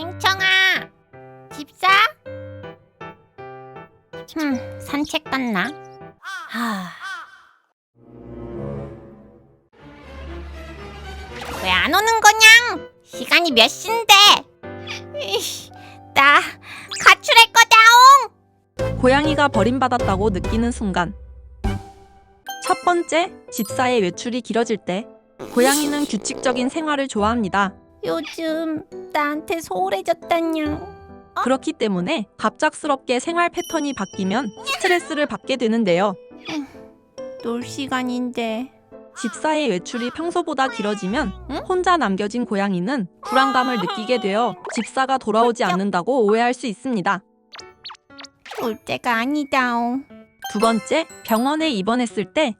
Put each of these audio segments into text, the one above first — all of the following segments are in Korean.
땡청아, 집사? 산책 갔나? 왜 안 오는 거냥? 시간이 몇 시인데? 나 가출할 거다옹! 고양이가 버림받았다고 느끼는 순간. 첫 번째, 집사의 외출이 길어질 때. 고양이는 규칙적인 생활을 좋아합니다. 요즘 나한테 소홀해졌다냥. 그렇기 때문에 갑작스럽게 생활 패턴이 바뀌면 스트레스를 받게 되는데요. 놀 시간인데. 집사의 외출이 평소보다 길어지면 혼자 남겨진 고양이는 불안감을 느끼게 되어 집사가 돌아오지 않는다고 오해할 수 있습니다. 올 때가 아니다옹. 두 번째, 병원에 입원했을 때.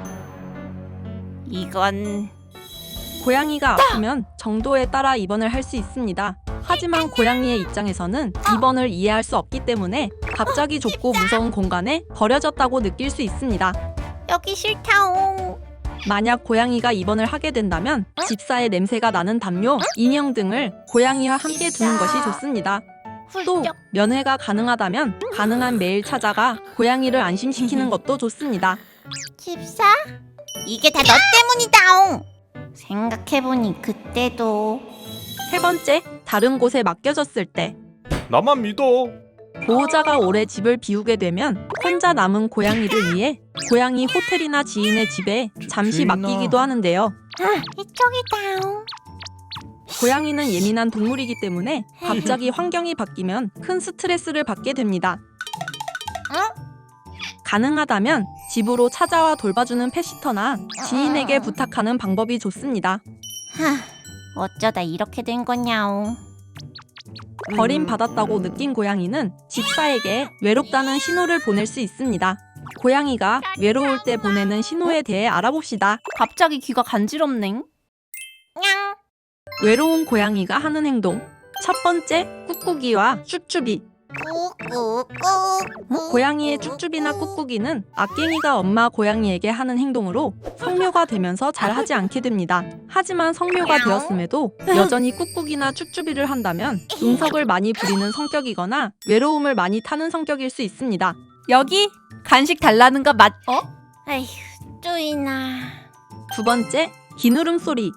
이건 고양이가 아프면 정도에 따라 입원을 할 수 있습니다. 하지만 고양이의 입장에서는 입원을 이해할 수 없기 때문에 갑자기 좁고 무서운 공간에 버려졌다고 느낄 수 있습니다. 여기 싫다옹. 만약 고양이가 입원을 하게 된다면 집사의 냄새가 나는 담요, 인형 등을 고양이와 함께 두는 것이 좋습니다. 또 훌쩍. 면회가 가능하다면 가능한 매일 찾아가 고양이를 안심시키는 것도 좋습니다. 집사? 이게 다 너 때문이다옹. 생각해보니 그때도 세 번째, 다른 곳에 맡겨졌을 때. 나만 믿어. 보호자가 오래 집을 비우게 되면 혼자 남은 고양이를 위해 고양이 호텔이나 지인의 집에 잠시 주인아. 맡기기도 하는데요. 이쪽이다옹. 고양이는 예민한 동물이기 때문에 갑자기 환경이 바뀌면 큰 스트레스를 받게 됩니다. 가능하다면 집으로 찾아와 돌봐주는 펫시터나 지인에게 부탁하는 방법이 좋습니다. 어쩌다 이렇게 된 거냐옹. 버림받았다고 느낀 고양이는 집사에게 외롭다는 신호를 보낼 수 있습니다. 고양이가 외로울 때 보내는 신호에 대해 알아봅시다. 갑자기 귀가 간지럽넹. 냥. 외로운 고양이가 하는 행동. 첫 번째, 꾹꾹이와 쭈쭈비. 꾹꾹꾹. 고양이의 쭈쭈비나 꾹꾹이는 악갱이가 엄마 고양이에게 하는 행동으로 성묘가 되면서 잘 하지 않게 됩니다. 하지만 성묘가 되었음에도 여전히 꾹꾹이나 쭈쭈비를 한다면 응석을 많이 부리는 성격이거나 외로움을 많이 타는 성격일 수 있습니다. 여기 간식 달라는 거 맞? 아휴, 쪼이나. 두 번째, 기누름 소리.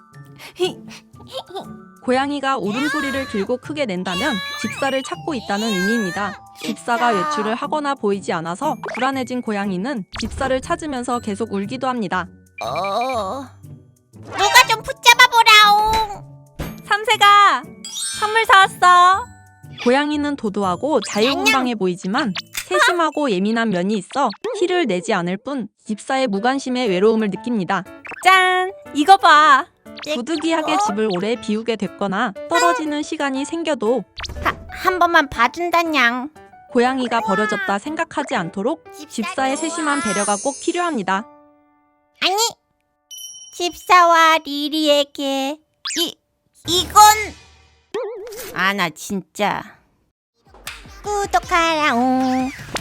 고양이가 울음소리를 길고 크게 낸다면 집사를 찾고 있다는 의미입니다. 집사가 외출을 하거나 보이지 않아서 불안해진 고양이는 집사를 찾으면서 계속 울기도 합니다. 누가 좀 붙잡아보라옹. 삼세가 선물 사왔어. 고양이는 도도하고 자유분방해 보이지만 세심하고 예민한 면이 있어 티를 내지 않을 뿐 집사의 무관심에 외로움을 느낍니다. 짠! 이거 봐. 부득이하게 집을 오래 비우게 됐거나 떨어지는 시간이 생겨도 한 번만 봐준다냥. 고양이가 버려졌다 생각하지 않도록 집사의 세심한 배려가 꼭 필요합니다. 아니, 집사와 리리에게 이건 나 진짜 구독하라옹.